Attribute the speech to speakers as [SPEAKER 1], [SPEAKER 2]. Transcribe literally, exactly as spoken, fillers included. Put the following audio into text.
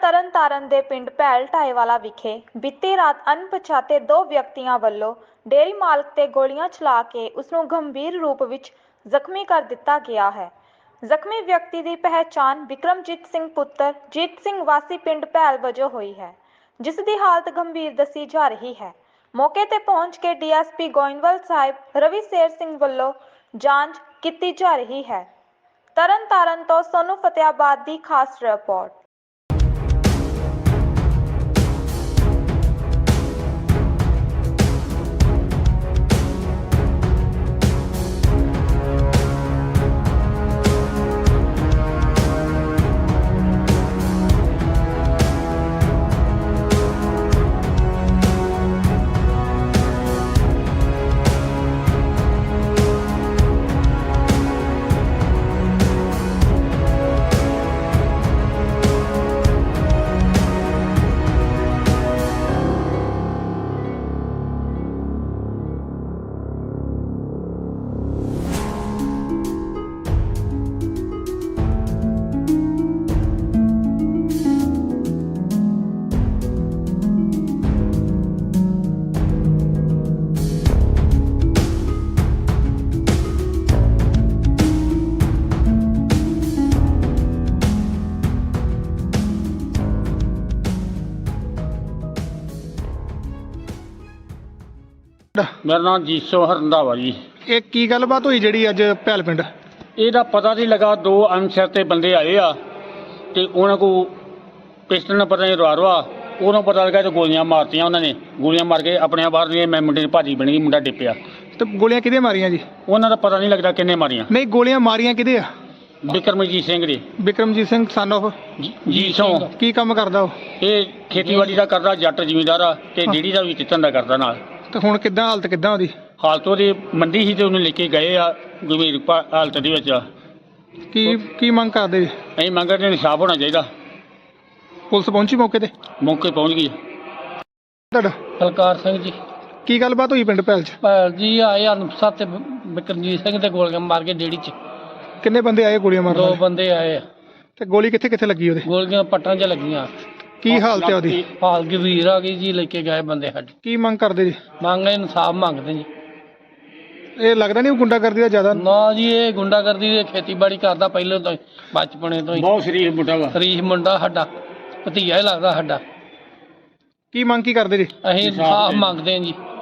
[SPEAKER 1] ਤਰਨਤਾਰਨ ਦੇ ਪਿੰਡ ਭੈਲ ਢਾਏਵਾਲਾ ਵਿਖੇ ਬੀਤੀ ਰਾਤ ਅਣਪਛਾਤੇ ਦੋ ਵਿਅਕਤੀਆਂ ਵੱਲੋਂ ਡੇਅਰੀ ਮਾਲਕ ਤੇ ਗੋਲੀਆਂ ਚਲਾ ਕੇ ਉਸ ਨੂੰ ਗੰਭੀਰ ਰੂਪ ਵਿੱਚ ਜ਼ਖਮੀ ਕਰ ਦਿੱਤਾ ਗਿਆ ਹੈ। ਜ਼ਖਮੀ ਵਿਅਕਤੀ ਦੀ ਪਹਿਚਾਣ ਵਿਕਰਮਜੀਤ ਸਿੰਘ ਪੁੱਤਰ ਜੀਤ ਸਿੰਘ ਵਾਸੀ ਪਿੰਡ ਭੈਲ ਵਜੋਂ ਹੋਈ ਹੈ, ਜਿਸ ਦੀ ਹਾਲਤ ਗੰਭੀਰ ਦੱਸੀ ਜਾ ਰਹੀ ਹੈ। ਮੌਕੇ ਤੇ ਪਹੁੰਚ ਕੇ D S P Goindwal Sahib Ravi Sher Singh ਵੱਲੋਂ ਜਾਂਚ ਕੀਤੀ ਜਾ ਰਹੀ ਹੈ। ਤਰਨਤਾਰਨ ਤੋਂ ਸੋਨੂ ਫਤਿਆਬਾਦ ਦੀ ਖਾਸ ਰਿਪੋਰਟ।
[SPEAKER 2] मेरा नाम जीसो रंधावा जी।
[SPEAKER 3] ਇਹ ਕੀ ਗੱਲਬਾਤ ਹੋਈ ਜਿਹੜੀ ਅੱਜ ਭੈਲ ਪਿੰਡ?
[SPEAKER 2] ਇਹਦਾ ਪਤਾ ਨਹੀਂ ਲੱਗਾ, ਦੋ ਅਣਛਾਤੇ ਬੰਦੇ ਆਏ ਆ ਤੇ ਉਹਨਾਂ ਕੋ ਪਿਸਟਲ ਨਾਲ ਪਤਾ ਨਹੀਂ ਰਵਾ ਉਹਨਾਂ ਪਤਾ ਲੱਗਾ ਤੇ ਗੋਲੀਆਂ ਮਾਰਤੀਆਂ। ਉਹਨਾਂ ਨੇ ਗੋਲੀਆਂ ਮਾਰ ਕੇ ਆਪਣੇ ਬਾਹਰ ਦੀਆਂ ਮੈਂ ਮੁੰਡੇ ਦੀ ਭਾਜੀ ਬਣ ਗਈ, ਮੁੰਡਾ ਡਿੱਪਿਆ।
[SPEAKER 3] ਤੇ ਗੋਲੀਆਂ ਕਿਹਦੇ ਮਾਰੀਆਂ ਜੀ?
[SPEAKER 2] ਉਹਨਾਂ ਦਾ ਪਤਾ ਨਹੀਂ ਲੱਗਦਾ ਕਿੰਨੇ ਮਾਰੀਆਂ।
[SPEAKER 3] ਨਹੀਂ, ਗੋਲੀਆਂ ਮਾਰੀਆਂ ਕਿਹਦੇ ਆ?
[SPEAKER 2] ਵਿਕਰਮਜੀਤ ਸਿੰਘ ਦੇ।
[SPEAKER 3] ਵਿਕਰਮਜੀਤ ਸਿੰਘ ਸਨ ਆਫ
[SPEAKER 2] ਜੀਸੋ।
[SPEAKER 3] ਕੀ ਕੰਮ ਕਰਦਾ ਉਹ?
[SPEAKER 2] ਇਹ ਖੇਤੀਬਾੜੀ ਦਾ ਕਰਦਾ, ਜੱਟ ਜ਼ਿਮੀਂਦਾਰ ਆ ਤੇ ਡੇਅਰੀ ਦਾ ਵੀ ਚਿੱਤਨ ਦਾ ਕਰਦਾ ਨਾਲ।
[SPEAKER 3] ਤੇ ਹੁਣ ਕਿੱਦਾਂ ਹਾਲਤ ਕਿੱਦਾਂ ਉਹਦੀ?
[SPEAKER 2] ਹਾਲਤ ਉਹਦੀ ਮੰਦੀ ਸੀ ਤੇ ਉਹਨੂੰ ਲੈ ਕੇ ਗਏ ਆ ਗੰਭੀਰ ਭਾ- ਹਾਲਤ ਦੇ ਵਿੱਚ।
[SPEAKER 3] ਕੀ ਕੀ ਮੰਗ ਕਰਦੇ ਜੀ?
[SPEAKER 2] ਅਸੀਂ ਮੰਗਦੇ ਇਨਸਾਫ ਹੋਣਾ ਚਾਹੀਦਾ।
[SPEAKER 3] ਪੁਲਿਸ ਪਹੁੰਚੀ ਮੌਕੇ ਤੇ?
[SPEAKER 2] ਮੌਕੇ ਪਹੁੰਚ ਗਈ।
[SPEAKER 3] ਤੁਹਾਡਾ
[SPEAKER 4] ਬਲਕਾਰ ਸਿੰਘ ਜੀ।
[SPEAKER 3] ਕੀ ਗੱਲਬਾਤ ਹੋਈ ਪਿੰਡ ਭੈਲ 'ਚ?
[SPEAKER 4] ਭੈਲ ਜੀ ਆਏ ਅਨੁਪਸਾ ਤੇ ਬਿਕਰਮਜੀਤ ਸਿੰਘ ਤੇ ਗੋਲੀਆਂ ਮਾਰ ਕੇ ਡੇੜੀ 'ਚ
[SPEAKER 3] ਕਿੰਨੇ ਬੰਦੇ ਆਏ ਗੋਲੀਆਂ ਮਾਰਨ
[SPEAKER 4] ਦੋ
[SPEAKER 3] ਵਾਲੇ?
[SPEAKER 4] ਬੰਦੇ ਆਏ ਆ।
[SPEAKER 3] ਤੇ ਗੋਲੀ ਕਿੱਥੇ ਕਿੱਥੇ ਲੱਗੀ ਉਹਦੇ?
[SPEAKER 4] ਗੋਲੀਆਂ ਪੱਟਾਂ 'ਚ ਲੱਗੀਆਂ।
[SPEAKER 3] ਕੀ ਹਾਲਤ ਹੈ ਉਹਦੀ?
[SPEAKER 4] ਹਾਲ ਗੰਭੀਰ ਆ ਗਈ ਜੀ, ਲੈ ਕੇ ਗਏ ਬੰਦੇ ਸਾਡੇ।
[SPEAKER 3] ਕੀ ਮੰਗ ਕਰਦੇ ਜੀ?
[SPEAKER 4] ਮੰਗ ਇਨਸਾਫ ਮੰਗਦੇ ਜੀ।
[SPEAKER 3] ਇਹ ਲੱਗਦਾ ਨਹੀਂ ਉਹ ਗੁੰਡਾਗਰਦੀ ਦਾ ਜ਼ਿਆਦਾ?
[SPEAKER 4] ਨਾ ਜੀ, ਇਹ ਗੁੰਡਾਗਰਦੀ ਦੀ ਖੇਤੀਬਾੜੀ ਕਰਦਾ ਪਹਿਲਾਂ ਤੋਂ ਹੀ, ਬਚਪਨੇ ਤੋਂ ਹੀ।
[SPEAKER 2] ਬਹੁਤ ਸ਼ਰੀਫ ਮੁੰਡਾ ਵਾ।
[SPEAKER 4] ਸ਼ਰੀਫ ਮੁੰਡਾ ਸਾਡਾ, ਭਤੀਜਾ ਹੀ ਲੱਗਦਾ ਸਾਡਾ।
[SPEAKER 3] ਕੀ ਮੰਗ ਕੀ ਕਰਦੇ ਜੀ?
[SPEAKER 4] ਅਸੀਂ ਇਨਸਾਫ ਮੰਗਦੇ ਹਾਂ ਜੀ।